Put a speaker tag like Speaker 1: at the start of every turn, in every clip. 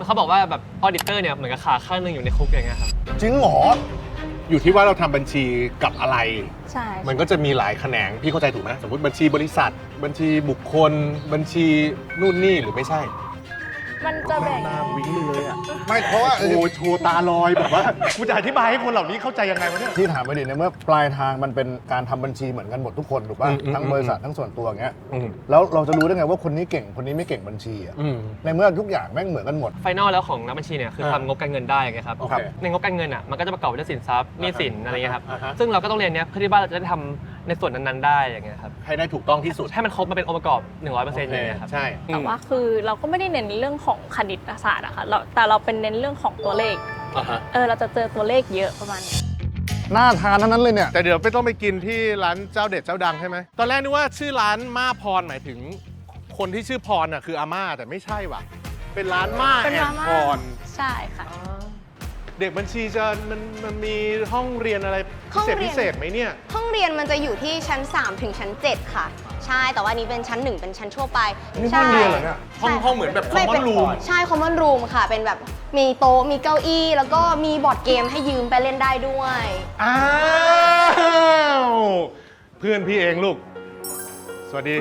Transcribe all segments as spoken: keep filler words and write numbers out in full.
Speaker 1: เขาบอกว่าแบบออดิเตอร์เนี่ยเหมือนกับขาข้างหนึงอยู่ในคุกอย่างเงี้ยครับ
Speaker 2: จริงเหรออยู่ที่ว่าเราทำบัญชีกับอะไร
Speaker 3: ใช่
Speaker 2: มันก็จะมีหลายแขนงพี่เข้าใจถูกไหมสมมติบัญชีบริษัท บัญชีบุคคล บัญชีนู่นนี่หรือไม่ใช่
Speaker 3: มันจะแบ่ง
Speaker 2: หน้าวิ่งเลยอ่ะไม่เพราะว่าโอ้โชว์ตาลอยแบบว่ากูจะอธิบายให้คนเหล่านี้เข้าใจยังไงวะเนี่ย
Speaker 4: ที่ถามไปดิในเมื่อปลายทางมันเป็นการทำบัญชีเหมือนกันหมดทุกคนถูกป่ะทั้งบริษัททั้งส่วนตัวอย่างเงี้ยแล้วเราจะรู้ได้ไงว่าคนนี้เก่งคนนี้ไม่เก่งบัญชีอ่ะในเมื่อทุกอย่างแม่งเหมือนกันหมด
Speaker 1: ไฟนอลแล้วของนักบัญชีเนี่ยคือทำงบการเงินได้ไงครับในงบการเงินอ่ะมันก็จะประกอบด้วยสินทรัพย์หนี้สินอะไรเงี้ยครับซึ่งเราก็ต้องเรียนเนี้ยเพื่อที่ว่าเราจะได้ทำในส่วนนั้นๆได้อย่างเงี้ยครับ
Speaker 2: ให้ได้ถูกต้องที่สุด
Speaker 1: ให้มันครบมาเป็นองค์ประกอบ หนึ่งร้อยเปอร์เซ็นต์ อย่างเงี้ยครับ
Speaker 2: ใช่
Speaker 3: แต่ว่าคือเราก็ไม่ได้เน้นเรื่องของคณิตศาสตร์อะค่ะแต่เราเป็นเน้นเรื่องของตัวเลขเออเราจะเจอตัวเลขเยอะประมาณนี้
Speaker 4: น่าทานทั้งนั้นเลยเนี่ย
Speaker 2: แต่เดี๋ยวไม่ต้องไปกินที่ร้านเจ้าเด็ดเจ้าดังใช่ไหมตอนแรกนึกว่าชื่อร้านม่าพรหมายถึงคนที่ชื่อพรอ่ะคืออาม่าแต่ไม่ใช่ว่ะเป็นร้านม่าแอนพร
Speaker 3: ใช่ค่ะ
Speaker 2: เด็กบัญชีจะมันมันมีห้องเรียนอะไรพิเศษพิเศษไหมเนี่ย
Speaker 5: ห้องเรียนมันจะอยู่ที่ชั้นสามถึงชั้นเจ็ดค่ะใช่แต่ว่านี้เป็นชั้นหนึ่งเป็นชั้นทั่วไป
Speaker 4: นี่ห้องเรียนเหรอเนี่ย
Speaker 2: ห้องห้องเหมือนแบบคอมมอนรูม
Speaker 5: ใช่คอมมอนรูมค่ะเป็นแบบมีโต๊ะมีเก้าอี้แล้วก็มีบอร์ดเกมให้ยืมไปเล่นได้ด้วย
Speaker 2: อ้าวเพื่อนพี่เองลูกสวัสดี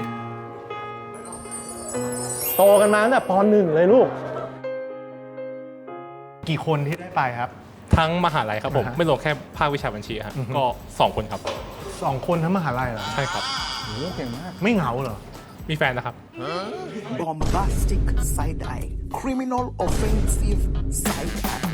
Speaker 2: โตกันมาตั้งแต่ป.หนึ่งเลยลูกกี่คนที่ได้ไปครับ
Speaker 6: ทั้งมหาลัยครับผมไม่รวมแค่ภาควิชาบัญชีครับก็สองคนครับ
Speaker 2: สองคนทั้งมหาลัยเหรอ
Speaker 6: ใช่ครับ
Speaker 4: โอ้เก่งมาก
Speaker 2: ไม่เหงาเหรอ
Speaker 6: มีแฟนนะครับ
Speaker 7: Bombastic side eye criminal offensive side eye